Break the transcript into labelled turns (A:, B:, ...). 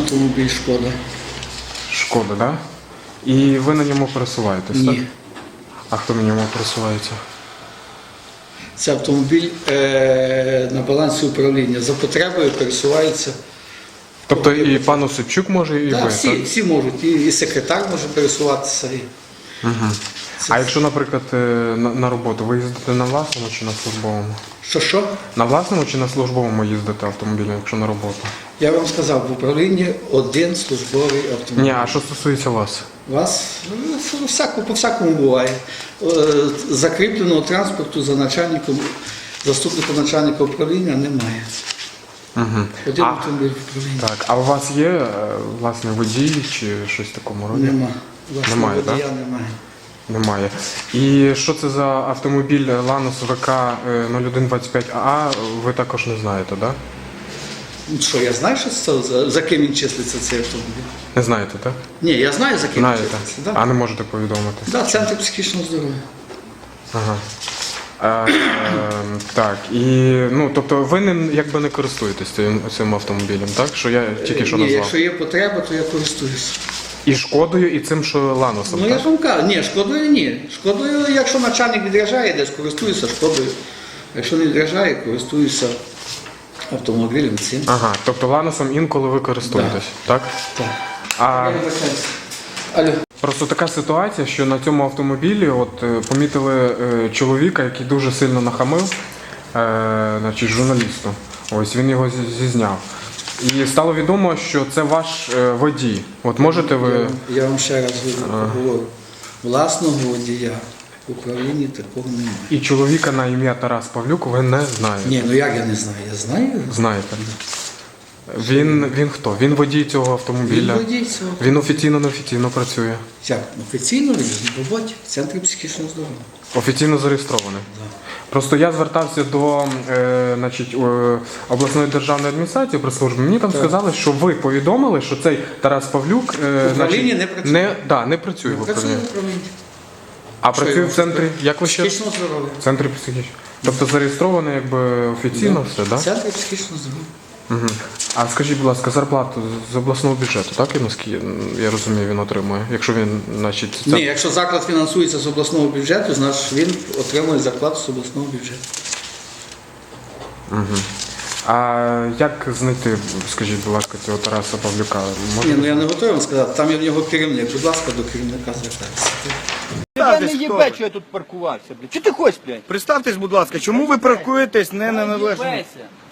A: Автомобіль «Шкода».
B: Шкода, так? Да? І ви на ньому пересуваєтесь,
A: Ні.
B: так? А хто на ньому пересувається?
A: Це автомобіль на балансі управління. За потребою пересувається.
B: Тобто і пан Осипчук може, і
A: Так,
B: ви,
A: всі,
B: так?
A: всі можуть. І секретар може пересуватися.
B: Угу. А якщо, наприклад, на роботу, ви їздите на власному чи на службовому?
A: Що?
B: На власному чи на службовому їздите автомобілем, якщо на роботу?
A: Я вам сказав, в управлінні один службовий автомобіль.
B: Ні, а що стосується вас?
A: Вас по-всякому буває. Закріпленого транспорту за начальником, заступником начальника управління немає.
B: Угу.
A: Один автомобіль в управлінні.
B: Так, а у вас є власне водій чи щось в такому роді?
A: Нема.
B: Немає,
A: водія
B: так?
A: немає.
B: Немає. І що це за автомобіль Lanos ВК 0125АА, ви також не знаєте, так? Да?
A: Ну, що, я знаю, що це, за ким він числиться цей автомобіль?
B: Не знаєте, так?
A: Ні, я знаю, за ким він
B: Знаєте.
A: числиться. Да.
B: А не можете повідомити?
A: Да, Центр психічного здоров'я.
B: Ага. Так, і, ну, тобто ви якби не користуєтесь цим автомобілем, так? Що я тільки що
A: Ні,
B: назвав.
A: якщо є потреба, то я користуюся.
B: І Шкодою, і цим, що Ланосом,
A: Ну,
B: так?
A: я ж вам кажу, ні, Шкодою ні. Шкодою, якщо начальник відряджає, десь користуюся Шкодою. Якщо не відряджає, користуюся автомобілем цим.
B: Ага, тобто Ланосом інколи ви користуєтесь, так?
A: Так.
B: А
A: Алло.
B: просто така ситуація, що на цьому автомобілі помітили чоловіка, який дуже сильно нахамив, значить, журналісту. Ось він його зізняв. І стало відомо, що це ваш водій. От можете ви...
A: Я вам ще раз говорю. Власного водія в управлінні такого немає.
B: І чоловіка на ім'я Тарас Павлюк ви не знаєте?
A: Ні, ну як я не знаю? Я знаю.
B: Знаєте. Він хто? Він водій цього автомобіля?
A: Він водій цього.
B: Він офіційно працює?
A: Як? Офіційно він в роботі в Центрі психічного здоров'я.
B: Офіційно зареєстрований?
A: Так.
B: Просто я звертався до обласної державної адміністрації прес-служби. Мені там сказали, що ви повідомили, що цей Тарас Павлюк
A: В управлінні не працює.
B: не працює в
A: Працює
B: управлінні.
A: в управлінні.
B: А працює в центрі, як ви ще?
A: Психічного здоров'я.
B: В центрі психічного. Тобто зареєстрований якби офіційно все, так?
A: В Центрі психічного здоров'я.
B: Угу. А скажіть, будь ласка, зарплату з обласного бюджету, так, і наскільки я розумію, він отримує? Якщо він, значить,
A: Ні, якщо заклад фінансується з обласного бюджету, значить він отримує зарплату з обласного бюджету.
B: Угу. А як знайти, скажіть, будь ласка, цього Тараса Павлюка?
A: Ні, ну я не готовий вам сказати, там є в нього керівник. Будь ласка, до керівника звертайтеся.
C: Тебе не їбе, що я тут паркувався, блядь. Чи ти хочеш, блядь?
D: Представтесь, будь ласка, чому ви паркуєтесь не на належному?